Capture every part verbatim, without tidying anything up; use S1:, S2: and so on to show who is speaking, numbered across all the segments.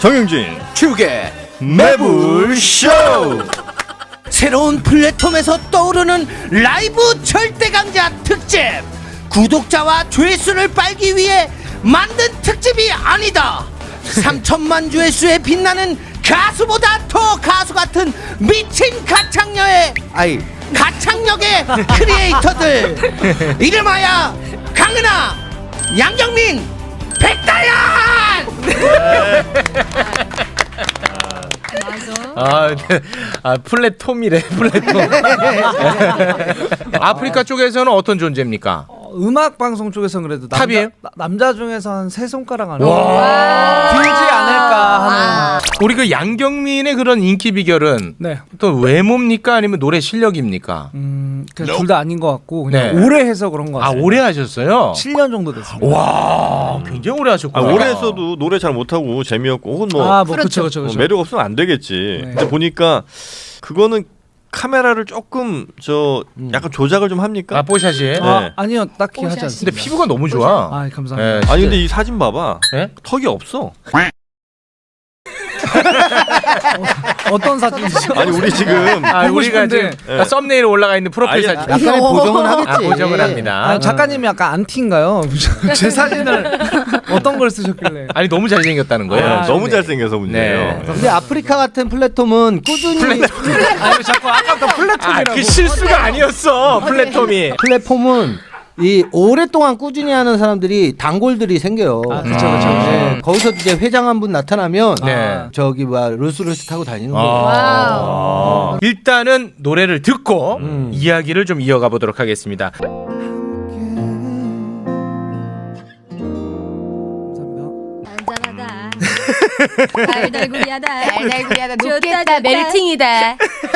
S1: 정영진
S2: 축의
S1: 매불쇼.
S2: 새로운 플랫폼에서 떠오르는 라이브 절대강자 특집, 구독자와 조회수를 빨기 위해 만든 특집이 아니다. 삼천만 조회수에 빛나는 가수보다 더 가수 같은 미친 가창력의 아이 가창력의 크리에이터들, 이름하여 강은하, 양정민, 백다연.
S3: 아, 네. 아 플랫폼이래 플랫폼. 아프리카 쪽에서는 어떤 존재입니까?
S4: 어, 음악 방송 쪽에서는 그래도 남자,
S3: 탑이에요?
S4: 나, 남자 중에서 한 세 손가락 안에
S3: 와.
S4: 들지 않을까 하는.
S3: 우리 그 양경민의 그런 인기 비결은
S4: 네.
S3: 또 외모입니까 아니면 노래 실력입니까?
S4: 음, 둘 다 아닌 것 같고 그냥
S3: 네.
S4: 오래 해서 그런 것
S3: 아
S4: 같아요.
S3: 오래 하셨어요?
S4: 칠 년 정도 됐습니다.
S3: 와 굉장히 오래
S1: 아,
S3: 하셨구나.
S1: 오래 했어도 노래 잘 못하고 재미없고 혹은 뭐,
S4: 아, 뭐 그렇죠, 그렇죠,
S1: 뭐
S4: 그렇죠.
S1: 매력 없으면 안 되겠지.
S4: 네.
S1: 근데 보니까 그거는 카메라를 조금 저 약간 조작을 좀 합니까?
S3: 아 뽀샷이.
S4: 아,
S1: 네.
S4: 아니요, 딱히 하지
S3: 근데
S4: 않습니다.
S3: 피부가 너무 좋아.
S4: 아, 감사합니다.
S3: 네,
S1: 아니
S3: 진짜.
S1: 근데 이 사진 봐봐.
S3: 네?
S1: 턱이 없어.
S4: 어떤 사진이죠?
S1: 아니 우리 지금
S3: 아,
S4: 보고
S3: 우리가
S4: 싶은데.
S3: 지금 아, 썸네일에 올라가 있는 프로필
S1: 아니,
S3: 사진.
S2: 약간의 보정은 하겠지.
S3: 아, 보정을 합니다.
S4: 아, 작가님이 약간 안티인가요? 제 사진을 어떤 걸 쓰셨길래?
S3: 아니 너무 잘생겼다는 거예요.
S4: 아,
S1: 너무
S4: 네.
S1: 잘생겨서 문제예요.
S3: 네.
S2: 근데 아프리카 같은 플랫폼은 꾸준히
S4: 아니 자꾸 아까부터 플랫폼이라고.
S3: 아, 그 실수가 아니었어 플랫폼이.
S2: 플랫폼은 이 오랫동안 꾸준히 하는 사람들이 단골들이 생겨요.
S4: 아, 그쵸, 그쵸,
S2: 네, 거기서 이제 회장 한 분 나타나면
S3: 네.
S2: 저기 뭐야 롤스로이스 타고 다니는 거예요.
S3: 아. 일단은 노래를 듣고 이야기를 좀 이어가 보도록 하겠습니다.
S4: 감사합니다.
S5: 안전하다. 달달구리하다.
S6: 달달구리하다.
S5: 좋다,
S6: 높겠다.
S5: 좋다.
S6: 멜팅이다.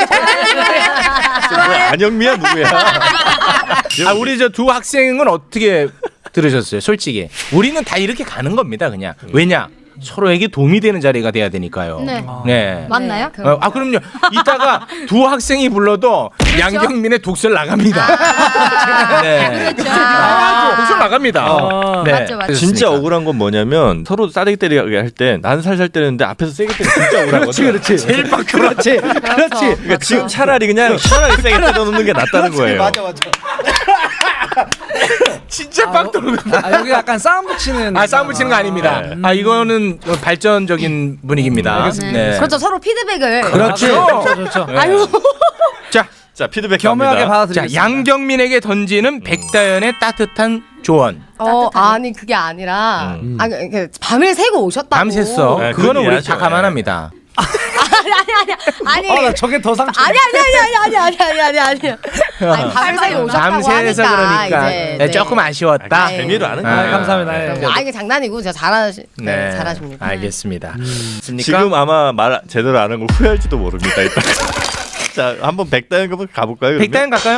S1: 뭐야, 안영미야 누구야?
S3: 아 우리 저 두 학생은 어떻게 들으셨어요? 솔직히 우리는 다 이렇게 가는 겁니다. 그냥 왜냐 서로에게 도움이 되는 자리가 돼야 되니까요.
S5: 네.
S3: 네.
S5: 맞나요?
S3: 어, 아 그럼요. 이따가 두 학생이 불러도 양경민의 독설 나갑니다. 네.
S5: 그렇죠.
S3: 아, 독설 나갑니다.
S4: 아,
S3: 네.
S5: 맞죠, 맞죠.
S1: 진짜
S3: 그렇습니까?
S1: 억울한 건 뭐냐면 서로 싸대기 때리게 할 때 난 살살 때리는데 앞에서 세게 때리면 진짜 억울하거든.
S2: 그렇지.
S3: 제일 빡
S2: 그렇지. 그렇지.
S1: 그러니까 지금 차라리 그냥 시원하게 세게 때려놓는 게 낫다는 거예요.
S2: 맞아 맞아.
S3: 진짜 빡 돌고.
S4: 아, 여기 약간 싸움 붙이는.
S3: 아 싸움 붙이는 거 아닙니다. 아 이거는 발전적인 분위기입니다.
S5: 네. 그렇죠. 서로 피드백을.
S3: 그렇죠.
S4: 그렇죠, 그렇죠.
S3: 아유. 자,
S1: 자 피드백
S4: 겸허하게
S1: 갑니다.
S3: 자
S4: 받아들이겠습니다.
S3: 양경민에게 던지는 백다연의 따뜻한 조언.
S6: 어, 아니 그게 아니라
S1: 음.
S6: 아, 그, 그, 밤을 새고 오셨다고.
S3: 밤샜어.
S1: 네,
S3: 그거는
S1: 그건
S3: 우리
S1: 이해하죠.
S3: 다 감안합니다.
S6: 아니 아니 아니
S4: 어,
S6: 아니.
S4: 나 저게 더 상처.
S6: 아니 아니 아니 아니 아니 아니 아니 아니 아니. 아니 밤을 새고 오셨다고
S3: 밤새서
S6: 하니까
S3: 그러니까
S6: 이제,
S3: 네, 조금 아쉬웠다.
S1: 아, 재미로 하는
S3: 아,
S1: 거예요.
S4: 감사합니다. 네.
S6: 아 이게 장난이고 제가 잘하시 네,
S3: 네,
S6: 잘하십니다.
S3: 알겠습니다. 있습니까?
S1: 지금 아마 말 제대로 안 한 거 후회할지도 모릅니다. 이따. 자 한번 백다연 한번 가볼까요? 그러면?
S3: 백다연 갈까요?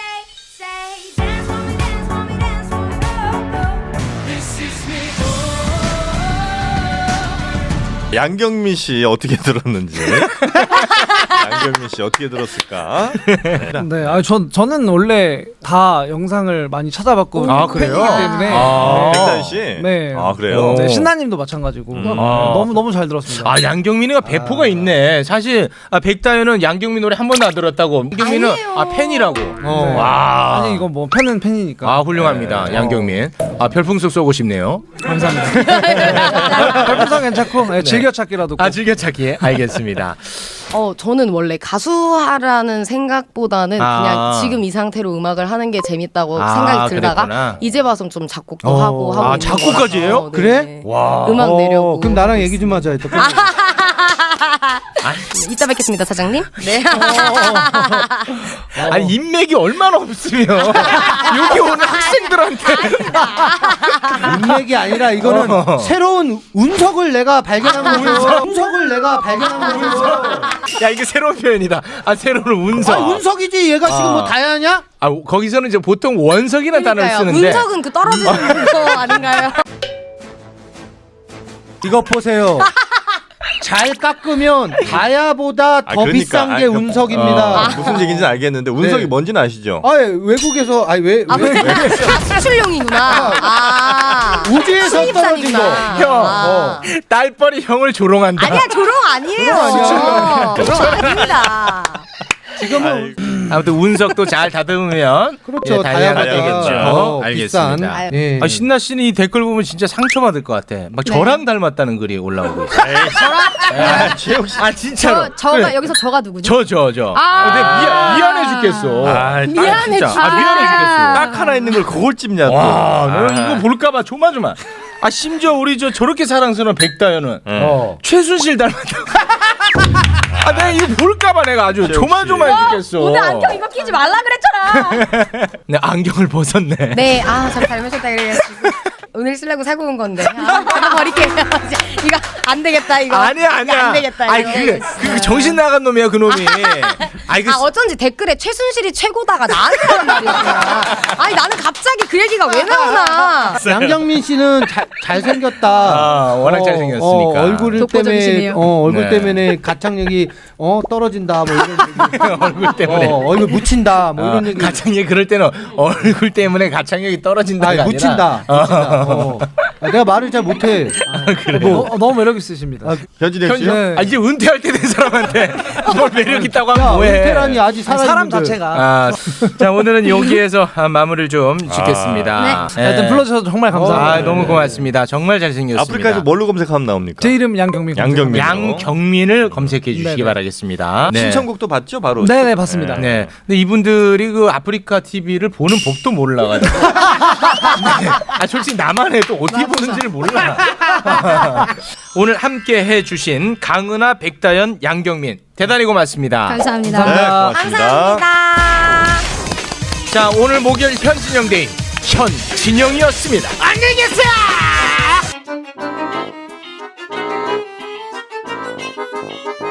S1: 양경민 씨 어떻게 들었는지. 양경민 씨 어떻게 들었을까?
S4: 네, 아, 전 저는 원래 다 영상을 많이 찾아봤고
S3: 아, 그래요?
S4: 팬이기 때문에.
S3: 아.
S1: 백다연 씨.
S4: 네.
S1: 아 그래요.
S4: 네, 신나님도 마찬가지고
S1: 음.
S4: 너무 너무 잘 들었습니다.
S3: 아 양경민이가 배포가 있네. 사실 아, 백다연은 양경민 노래 한 번도 안 들었다고. 양경민은
S6: 아니에요.
S3: 아 팬이라고. 어,
S4: 네.
S3: 와.
S4: 아니 이거 뭐 팬은 팬이니까.
S3: 아 훌륭합니다. 양경민. 아 별풍속 쏘고 싶네요.
S4: 감사합니다. 별풍선 괜찮고 네, 즐겨찾기라도.
S3: 아 즐겨찾기. 알겠습니다.
S6: 어 저는 원래 가수하라는 생각보다는
S3: 아.
S6: 그냥 지금 이 상태로 음악을 하는 게 재밌다고
S3: 아,
S6: 생각이 들다가
S3: 그랬구나.
S6: 이제 봐서 좀 작곡도
S3: 어.
S6: 하고 하고
S3: 아,
S6: 있는
S3: 작곡까지 해요?
S6: 거라서, 네.
S2: 그래?
S3: 와.
S6: 음악
S2: 어,
S6: 내려고.
S2: 그럼 나랑 얘기 좀 하자. 이따.
S6: 네, 이따 뵙겠습니다 사장님. 네.
S3: 아니 인맥이 얼마나 없으면 여기 오는 학생들한테
S2: 인맥이 아니라 이거는
S3: 어.
S2: 새로운 운석을 내가 발견한 거예요. 운석을 내가 발견한 거예요.
S3: 야 이게 새로운 표현이다. 아 새로운 운석.
S2: 아 운석이지. 얘가 지금 뭐
S3: 아.
S2: 다야냐?
S3: 아 거기서는 이제 보통 원석이라는 단어를
S6: 그러니까요.
S3: 쓰는데
S6: 운석은 그 떨어지는 거 아닌가요?
S2: 이거 보세요. 잘 깎으면 다야보다 더
S1: 아, 그러니까.
S2: 비싼 게
S1: 아, 그-
S2: 운석입니다.
S1: 어, 무슨 얘기인지는 알겠는데 운석이
S2: 네.
S1: 뭔지는 아시죠?
S2: 아, 외국에서 아니 왜,
S6: 아,
S2: 왜
S6: 아 수출용이구나. 아.
S2: 우주에서 떨어진
S6: 수입산이구나.
S2: 거.
S3: 형,
S6: 아.
S3: 딸뻘이 형을 조롱한다.
S6: 아니야 조롱 아니에요.
S2: 아니야.
S6: 조롱 아닙니다.
S2: 지금은
S3: 아무튼 운석도 잘 다듬으면
S2: 그렇죠.
S3: 예, 다이아가
S2: 다이아가
S3: 되겠죠.
S2: 더
S3: 알겠습니다.
S2: 비싼. 예.
S3: 아, 신나 씨는 이 댓글 보면 진짜 상처받을 것 같아. 막 저랑 닮았다는 글이 올라오고 있어.
S1: 아, 최욱 씨.
S3: 아 진짜로.
S5: 저, 저가
S3: 그래.
S5: 여기서 저가 누구죠?
S3: 저, 저, 저.
S5: 아.
S3: 근데 미안, 미안해 죽겠어.
S1: 아,
S6: 미안해.
S3: 진짜. 아, 미안해 죽겠어.
S1: 딱 하나 있는 걸 그걸 찝냐 또.
S3: 와, 너
S1: 아.
S3: 이거 볼까봐 조마조마. 아, 심지어 우리 저 저렇게 사랑스러운 백다현은
S2: 어.
S3: 최순실 닮았다고. 아, 내가 이거 볼까봐 내가 아주 조마조마해 죽겠어.
S5: 오늘 안경 이거 끼지 말라 그랬잖아.
S3: 네, 안경을 벗었네.
S6: 네, 아, 저 닮으셨다 그래가지고 오늘 쓰려고 사고 온 건데. 아, 이거 버릴게요. 이거 안 되겠다 이거.
S3: 아니야, 아니야.
S6: 이거 안 되겠다.
S3: 아니,
S6: 이거.
S3: 그, 그 정신 나간 놈이야, 그 놈이. 아이, 그
S6: 아 어쩐지 댓글에 최순실이 최고다가 나한테 하는 말이었구나. 아니 나는 갑자기 그 얘기가 왜 나오나.
S2: 양정민 씨는 잘 잘생겼다.
S3: 아, 워낙 잘생겼으니까.
S2: 어, 얼굴 때문에
S5: 독보적이시네요.
S2: 어, 얼굴
S3: 네.
S2: 때문에 가창력이 어 떨어진다 뭐 이런 얘기.
S3: 얼굴 때문에.
S2: 어, 얼굴 묻힌다 뭐 이런
S3: 아,
S2: 얘기.
S3: 가창력 그럴 때는 얼굴 때문에 가창력이 떨어진다가
S2: 아니,
S3: 아니라
S2: 묻힌다. 묻힌다. 어. 아, 내가 말을 잘 못해.
S4: 어, 어, 너무 매력 있으십니다.
S2: 아,
S1: 현진혁
S3: 현,
S1: 씨요?
S4: 네.
S3: 아, 이제 은퇴할 때 된 사람한테 뭘 매력 있다고 하면
S2: 야,
S3: 뭐해?
S2: 은퇴라니 아직 살아
S4: 사람 자체가.
S3: 아, 자 오늘은 여기에서 아, 마무리를 좀 짓겠습니다.
S4: 자, 일단 불러주셔서 정말 감사합니다.
S3: 아, 너무 고맙습니다. 정말 잘생겼습니다.
S1: 아프리카에서 뭘로 검색하면 나옵니까?
S4: 제 이름 양경민.
S1: 양경민.
S3: 양경민을 검색해 주시기
S4: 네네.
S3: 바라겠습니다. 네.
S1: 신청곡도 봤죠, 바로.
S4: 네네 봤습니다.
S3: 네. 근데 이분들이 그 아프리카 티비를 보는 법도 몰라가지고. 네. 아, 솔직히 나만 해도 어떻게 보는지를 몰라. 오늘 함께 해주신 강은하, 백다연, 양경민 대단히 고맙습니다.
S5: 감사합니다.
S1: 네, 고맙습니다.
S6: 감사합니다.
S3: 자, 오늘 목요일 현진영 데이 현진영이었습니다. 안녕히 계세요.